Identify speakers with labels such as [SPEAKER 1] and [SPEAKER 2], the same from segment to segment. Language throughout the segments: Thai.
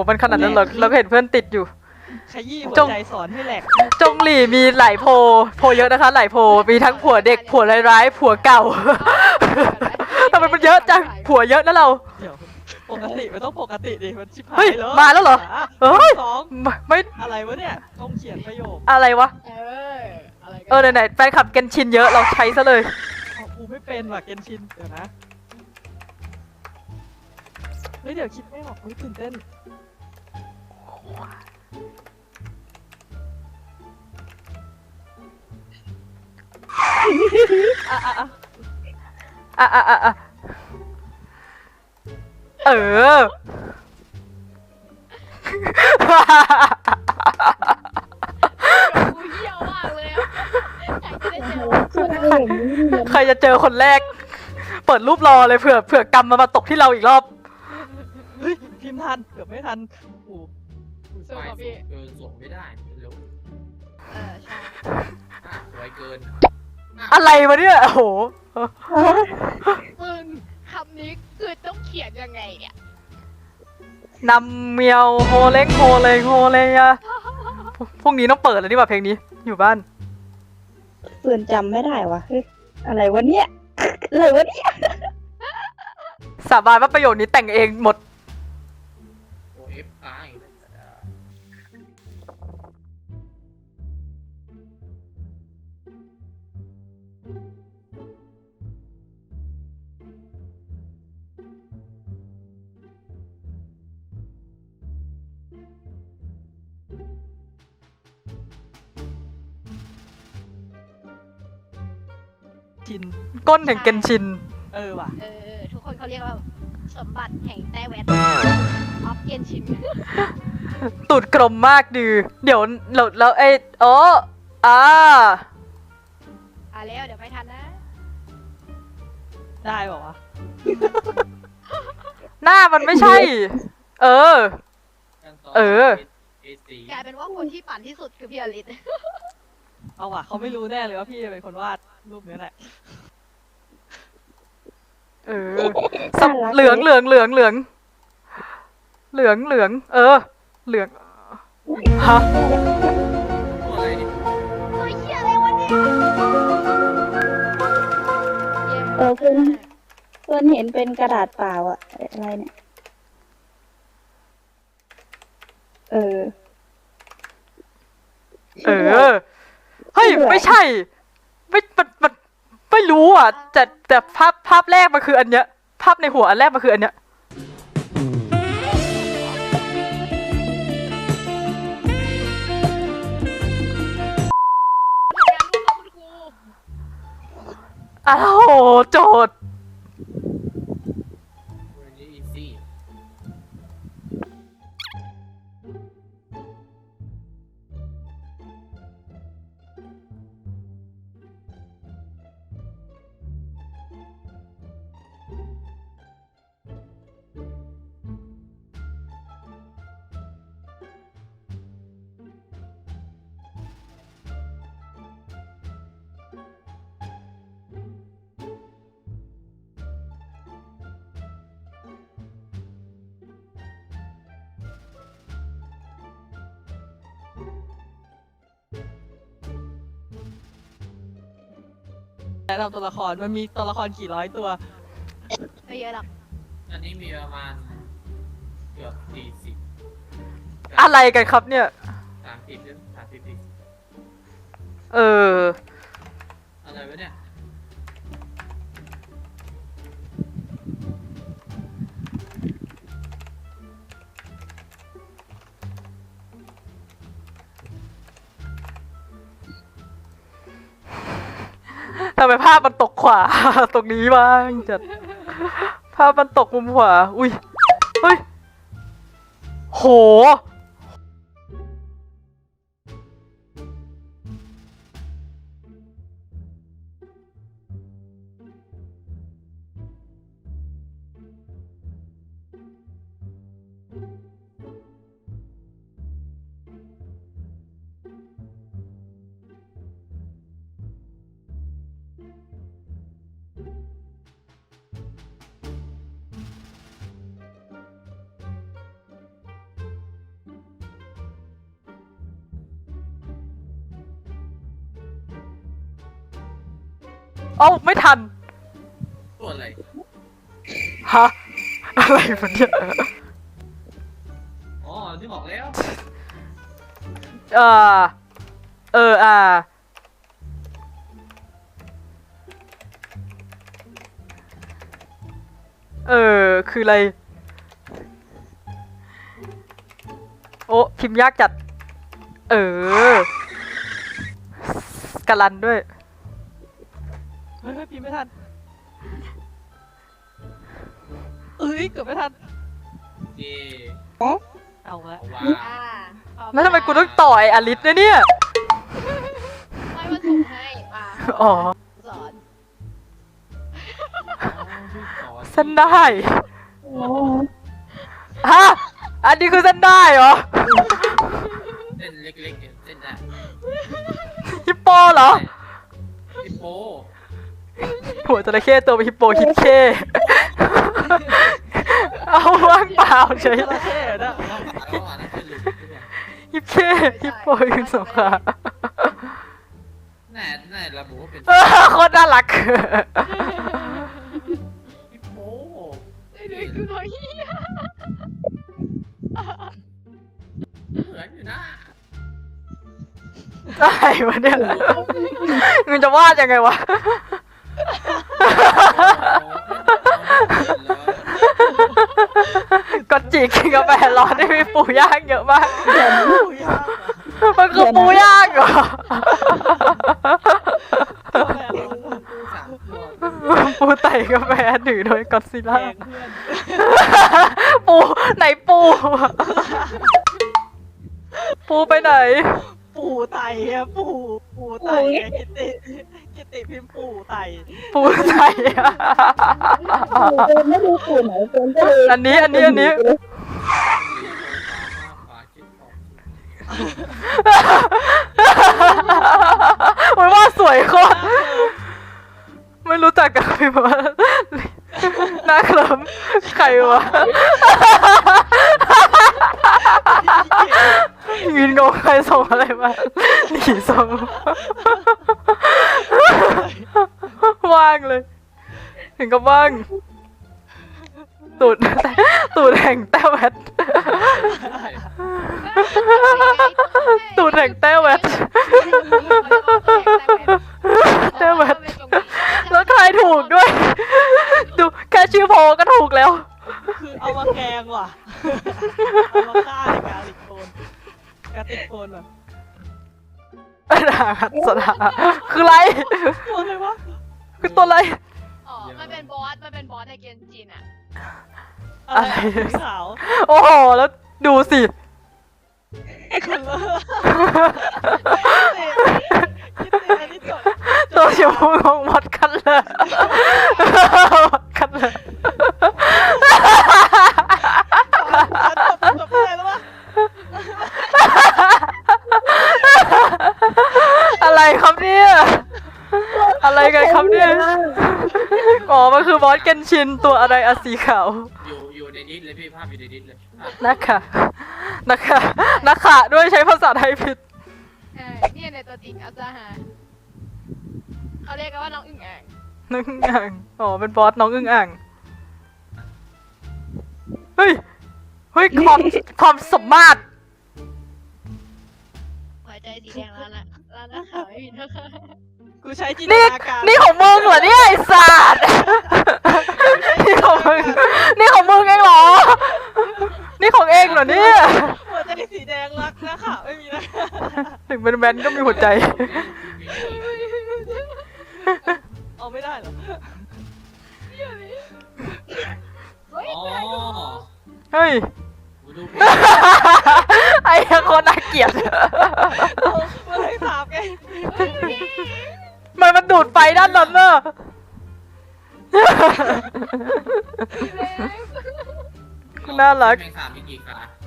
[SPEAKER 1] มันขนาดนั้นเหรอเราก็เห็นเพื่อนติดอยู่
[SPEAKER 2] ขยี้หัวใจสอนให้แหลก
[SPEAKER 1] จงหลี่มีหลายโพเยอะนะคะหลายโพมีทั้งผัวเด็กผัวร้ายๆผัวเก่าทำไมมันเยอะจังผัวเยอะนะเรา
[SPEAKER 2] เดี๋ยวปกติมันต้องปกติดิมันชิบหา
[SPEAKER 1] เฮ้ย
[SPEAKER 2] ยแล้ว
[SPEAKER 1] มาแล้วเหรอเฮ้ย
[SPEAKER 2] สอง
[SPEAKER 1] ไม่
[SPEAKER 2] อะไรวะเนี่ยต้องเขียนประโยค
[SPEAKER 1] อะไรวะ
[SPEAKER 3] อะไรกัน
[SPEAKER 1] ไหนๆแฟนคลับเกนชินเยอะเราใช้ซะเลย
[SPEAKER 2] ของกูไม่เป็นว่ะเกนชินเดี๋ยวนะเฮ้ยเดี๋ยวคิดไม่ออกตื่นเต้น
[SPEAKER 1] อ่ะเออ
[SPEAKER 3] กูเหี้ยวมากเลย
[SPEAKER 1] ใครจะเจอคนแรก เปิดรูปรอเลยเผื่อกรรมมาตกที่เราอีกรอบ
[SPEAKER 2] เฮ้ยพิมพ์ทันเกือบไม่ทันโอ้
[SPEAKER 3] สู้กับพี่
[SPEAKER 4] ส่งไม่ได้เร็ว
[SPEAKER 3] ใช่
[SPEAKER 4] ไวเกิน
[SPEAKER 1] อะไรวะเนี่ยโอ้โห
[SPEAKER 3] มึงคำนี้คือต้องเขียนยังไงเนี่ย
[SPEAKER 1] นำเมียวโฮเล้งโฮเลยอะพรุ่งนี้ต้องเปิดแล้วนี่ว่าเพลงนี้อยู่บ้าน
[SPEAKER 5] เพื่อนจำไม่ได้วะเฮ้ยอะไรวะเนี่ยอะไรวะเนี่ย
[SPEAKER 1] สาบานว่าประโยคนี้แต่งเองหมด
[SPEAKER 4] โอเอฟค้างอีก
[SPEAKER 2] ชิน
[SPEAKER 1] ก้นแห่งเกนชิน
[SPEAKER 2] ว่ะ
[SPEAKER 3] ทุกคนเขาเรียกว่าสมบัติแห่งแต้แวดออฟเกียนชิน
[SPEAKER 1] ตูดกลมมากดือเดี๋ยวแล้วไอ้อ๋ออ่า
[SPEAKER 3] แล้วเดี๋ยวไม่ทันนะ
[SPEAKER 2] ได้ป่าวะ
[SPEAKER 1] หน้ามันไม่ใช่ เออ
[SPEAKER 3] กลายเป็นว่าคนที่ปั่นที่สุดคือพี่อลิส
[SPEAKER 2] เอาว่ะเขาไม่รู้แน่เลยว่าพี่เป็นคนวาดรูปนี้แหละ
[SPEAKER 1] เออเหลืองเออ เหลืองฮะ
[SPEAKER 4] อะไรดิ
[SPEAKER 3] ตัวเหี้ยอะไรวะเนี่ย
[SPEAKER 5] เพื่อนเห็นเป็นกระดาษเปล่าอะอะไรเนี่ย
[SPEAKER 1] เออเฮ้ยไม่ใช่มันไม่รู้อ่ะแต่ภาพแรกมันคืออันเนี้ยภาพในหัวอันแรกมันคืออันเนี้ยอ้าวโจทย์
[SPEAKER 4] วันนี้อีซี่
[SPEAKER 2] แนะนำตัวละครมันมีตัวละครกี่ร้อยตัว
[SPEAKER 3] ไม่เยอะหรอก
[SPEAKER 4] อันนี้มีประมาณเกือบ40
[SPEAKER 1] อะไรกันครับเนี่ย
[SPEAKER 4] 30หรือ30
[SPEAKER 1] เออ
[SPEAKER 4] อะไรวะเนี่ย
[SPEAKER 1] ทำไมภาพมันตกขวา ตรงนี้บ้างจัดภาพมันตกมุมขวาอุ้ยเฮ้ยโหเอ้าไม่ทัน
[SPEAKER 4] ตัวอะไร
[SPEAKER 1] ฮะ อะไรวะเนี่ย
[SPEAKER 4] อ๋อที่บอกแล้ว
[SPEAKER 1] เออเออคืออะไร โอ้พิมพ์ยากจัด กะลันด้วย
[SPEAKER 2] เฮ้ยพิมพ์ไม่ทันเอ้ยเกือบไม่ทัน
[SPEAKER 4] เย่
[SPEAKER 2] เอาละ
[SPEAKER 4] เอาว่า
[SPEAKER 3] อ่า
[SPEAKER 1] แล้วทำไมกูต้องต่อยอลิสเนี่ย
[SPEAKER 3] ไม่มาส่งให้มา
[SPEAKER 1] อ๋อ
[SPEAKER 3] สอน
[SPEAKER 1] เส้นได้
[SPEAKER 5] โอ้
[SPEAKER 1] ฮะ อันนี้คือเส้นได้เหรอ
[SPEAKER 4] เส้นเล็กๆเนี่ยเส้นได้
[SPEAKER 1] ฮิปโปเหรอ
[SPEAKER 4] ฮิปโป
[SPEAKER 1] หัวจระเข้ตัวเป็นฮิปโปฮิปเคเอาว่างเปล่าเฉย
[SPEAKER 2] จระเข้นะ
[SPEAKER 4] แล้วอ่ะนั่นคือหลุมใช่ไหม
[SPEAKER 1] ฮิปเคฮิปโปคือสงขา
[SPEAKER 4] แน่ระบุว่าเป็น
[SPEAKER 1] โคตรน่ารัก
[SPEAKER 4] ฮิปโป
[SPEAKER 3] ไอ้เด็กคือน้อยเหี้ย
[SPEAKER 4] เหมือนอยู่นะ
[SPEAKER 1] อะไรวะเนี่ยมึงจะวาดยังไงวะ ก็จิกกินกาแฟร้อนได้มีปูย่างเยอะมาก
[SPEAKER 2] ปูย่าง
[SPEAKER 1] มันคือปูย่างเหรอ
[SPEAKER 2] ตัวแม่ร้อน
[SPEAKER 4] สามตัว
[SPEAKER 1] ปูไต่กาแฟถือโดยก็อดซิล
[SPEAKER 2] แก
[SPEAKER 1] ล่า
[SPEAKER 2] งเพื่อน
[SPEAKER 1] ปูไหนปู ปูไปไหน
[SPEAKER 2] ปูไตอะปูไตอะกิติพิมพ์ปูไต
[SPEAKER 1] ปูไต่อะ
[SPEAKER 5] เดินไม่รู้ปู่ไหนเดินก็เลย
[SPEAKER 1] อันนี้
[SPEAKER 4] ฝาคิดของ
[SPEAKER 1] มันว่าสวยโคตรไม่รู้จักกันพี่ว่าหน้าเคลิ้มใครวะยืนงงใครส่งอะไรมาหนีส่งว่างเลย ถึงกับว่าง ตูดแห่งแต้วแวดตูดแห่งแต้วแวดแต้วแวดแล้วทายถูกด้วย ดูแค่ชื่อโพก็ถูกแล้ว
[SPEAKER 2] คือเอามาแกงว่ะเอามาฆ่าในกาลิกโคนกาติกโคนว่ะ
[SPEAKER 1] สนาคืออะไร
[SPEAKER 2] ตัวอะไรวะ
[SPEAKER 1] คือตัวอะไร
[SPEAKER 3] อ๋อมันเป็นบอสในเกมจีนอ่ะ
[SPEAKER 2] อะไรขาว
[SPEAKER 1] โอ้โห แล้วดูสิ
[SPEAKER 2] คนละคิดติอันนี้จด
[SPEAKER 1] ตัวชมพูของมดกันเลยมดกันเลย
[SPEAKER 2] จบอะไรแล้ววะ
[SPEAKER 1] อะไรครับเนี่ย อะไรกันครับเนี่ย อ๋อ มันคือบอสเกนชินตัวอะไรอะสีขาว
[SPEAKER 4] อยู่ในดิสเลยพี่ภาพอยู่ในดิสเลย
[SPEAKER 1] นะคะด้วยใช้ภาษาไทยผิด
[SPEAKER 3] เนี่ยในตัวจริงอาจารย์หาเขาเรียกกันว่าน้องอึ่งอ่าง
[SPEAKER 1] น้องอึ่งอ่าง อ๋อ เป็นบอสน้องอึ่งอ่าง เฮ้ย ความสมมาตร
[SPEAKER 3] หัวใจสีแดงแล้วนะแล้วนะขาวไม่มีนะคะ
[SPEAKER 2] กูใช้จินต
[SPEAKER 1] นี่
[SPEAKER 2] นาการ
[SPEAKER 1] นี่ของมึงเหรอเนี่ยไอ้สัตว์นี่ของมึงเองเหรอ นี่ของเองเหรอเนี่ย
[SPEAKER 2] หัวใจสีแดงรักนะขาวไม่มีนะ
[SPEAKER 1] ถึงเป็นแมนก็มีหัวใจ
[SPEAKER 2] เอาไม่ได้เหรอ
[SPEAKER 3] เฮ้ย
[SPEAKER 4] อ๋อ
[SPEAKER 1] เฮ้ย
[SPEAKER 4] กูดู
[SPEAKER 1] ไอ้คนน่าเกลียด
[SPEAKER 2] มาเลยถามไง
[SPEAKER 1] มันดูดไฟด้านนั้นเนอะน่ารัก
[SPEAKER 4] แมงสาบมีกี่ขา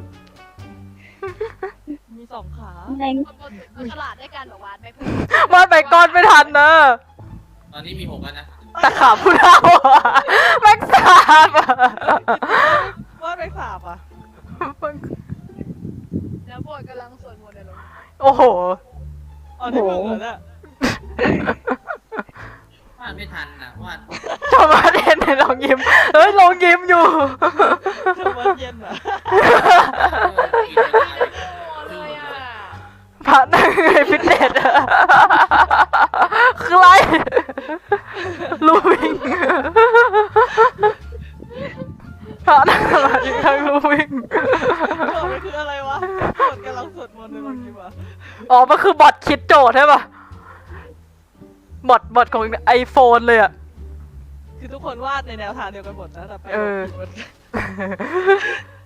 [SPEAKER 2] มีสองขา
[SPEAKER 5] แรง
[SPEAKER 3] มันฉลาดด้วยกันแบบวาดไม่เพิ่ม
[SPEAKER 1] วาดไปก้อนไม่ทันนะ
[SPEAKER 4] ตอนนี้มี6แล้วนะ
[SPEAKER 1] แต่ขาผู้เฒ่าอะแม็กซ์สาบอะ
[SPEAKER 2] ว่าไปสาบอ่ะ
[SPEAKER 3] แล้วโบดกำลังสวดมนต์ในโรง
[SPEAKER 1] โอ้โห
[SPEAKER 2] อ๋อที่มึงเหรอเนี่ย
[SPEAKER 4] ว่าดไม่ทันอ่ะวาด
[SPEAKER 1] โทมัสเห็นในลองยิ้มเฮ้ยลองยิ้มอยู่
[SPEAKER 2] ทุกวันเย็นอ่ะ
[SPEAKER 4] กินเวลาเลย
[SPEAKER 3] โอ้เลยอ่ะ
[SPEAKER 1] พระนั่งในฟิตเนสอะคืออะไรลูวิ่งพระนั่งสมาธิข้างลูวิ่ง
[SPEAKER 2] โจทย์มันคืออะไรวะโจทย์กำลังสวดมนต์ในวันนี้วะ
[SPEAKER 1] อ๋อมันคือบอทคิดโจทย์ใช่ปะบอทของไอโฟนเลยอะ
[SPEAKER 2] คือทุกคนวาดในแนวทางเดียวกันหมดนะแต่ไป
[SPEAKER 1] เออ
[SPEAKER 2] ผิดหมด